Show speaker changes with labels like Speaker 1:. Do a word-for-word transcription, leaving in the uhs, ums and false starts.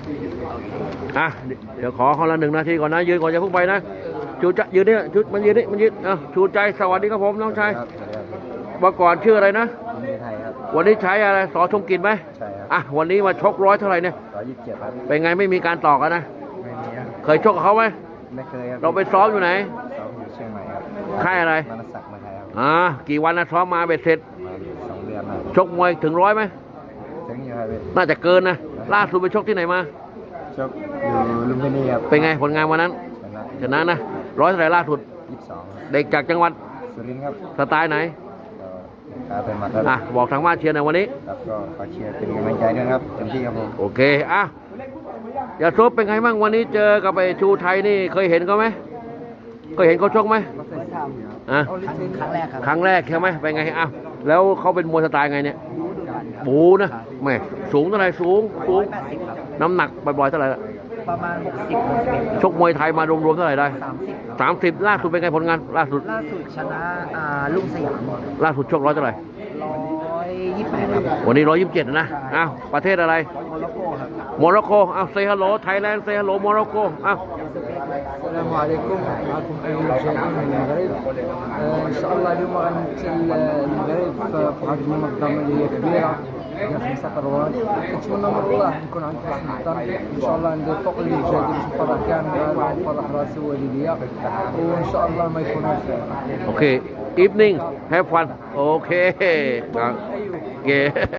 Speaker 1: อ่ะเดี๋ยวขอคนละหนึ่งนาทีก่อนนะยืนก่อนจะเพิ่งไปนะชูใจยืนนี่ชุดมันยืนนี่มันยืนอ่ะชูใจสวัสดีครับผมน้องชายเมื่อก่อนชื่ออะไรนะวันนี้ใช้อะไรสอชมกินไหมใช่ครับอ่ะวันนี้มาชกร้อยเท่าไหร่เนี่ยร้อยยี่สิบเจ็ดครับเป็นไงไม่มีการต่อกันนะไม่มีครับเคยชกกับเขาไหมไม่เคยครับเราไปซ้อมอยู่ไหนซ้อมอยู่เชียงใหม่ครับค่ายอะไรมนศักดิ์มาไทยครับอ่ากี่วันนะซ้อมมาเบ็ดเสร็จสองเดือนชกมวยถึงร้อยไหมถึงอยู่ครับน่าจะเกินนะล่าสุดไปชกที่ไหนมาชกอยู่ลุมพินีครับเป็นไงผลงานวันนั้นชนะนะร้อยเท่าไหร่ล่าสุดยี่สิบสองเด็กจากจังหวัดสุรินทร์ครับสไตล์ไหนเป็นมาอ่ะบอกทางบ้านเชียร์ในวันนี้ครับก็ขอเชียร์เป็นกำลังใจด้วยครับเต็มที่ครับผมโอเคอ่ะอย่าซบเป็นไงบ้างวันนี้เจอกับไอ้ชูไทยนี่เคยเห็นเขาไหมเคยเห็นเขาชกไหมอ่ะครั้งแรกครับครั้งแรกใช่ไหมเป็นไงอ่ะแล้วเขาเป็นมวยสไตล์ไงเนี่ยบูนะแม่สูงเท่าไหร่สูงสูงน้ำหนักบ่อยๆเท่าไหร่ประมาณหกสิบชกมวยไทยมารวมๆเท่าไหร่ได้สามสิบสามสิบล่าสุดเป็นไงผลงานล่าสุดล่าสุดชนะอ่าลุงสยามล่าสุดชกร้อยเท่าไหร่ร้อยยี่สิบแปดครับวันนี้ร้อยยี่สิบเจ็ดนะอ้าวประเทศอะไรโมร็อกโกครับโมร็อกโกอ้าวเซฮัลโหลไทยแลนด์เซฮัลโหลโมร็อกโกอ้าว
Speaker 2: السلام عليكم معكم أيوب شاهين من المغرب إن شاء الله اليوم غنمثل المغرب في واحد المنظمة اللي هي كبيرة هي خمسة قروات نتمنى من الله نكون عند حسن الظن إن شاء الله ندير فوق المجهود باش نفرح كاع المغاربة ونفرح راسي ووالديا وإن شاء الله ما يكونوش
Speaker 1: Okay evening have fun okay โอเค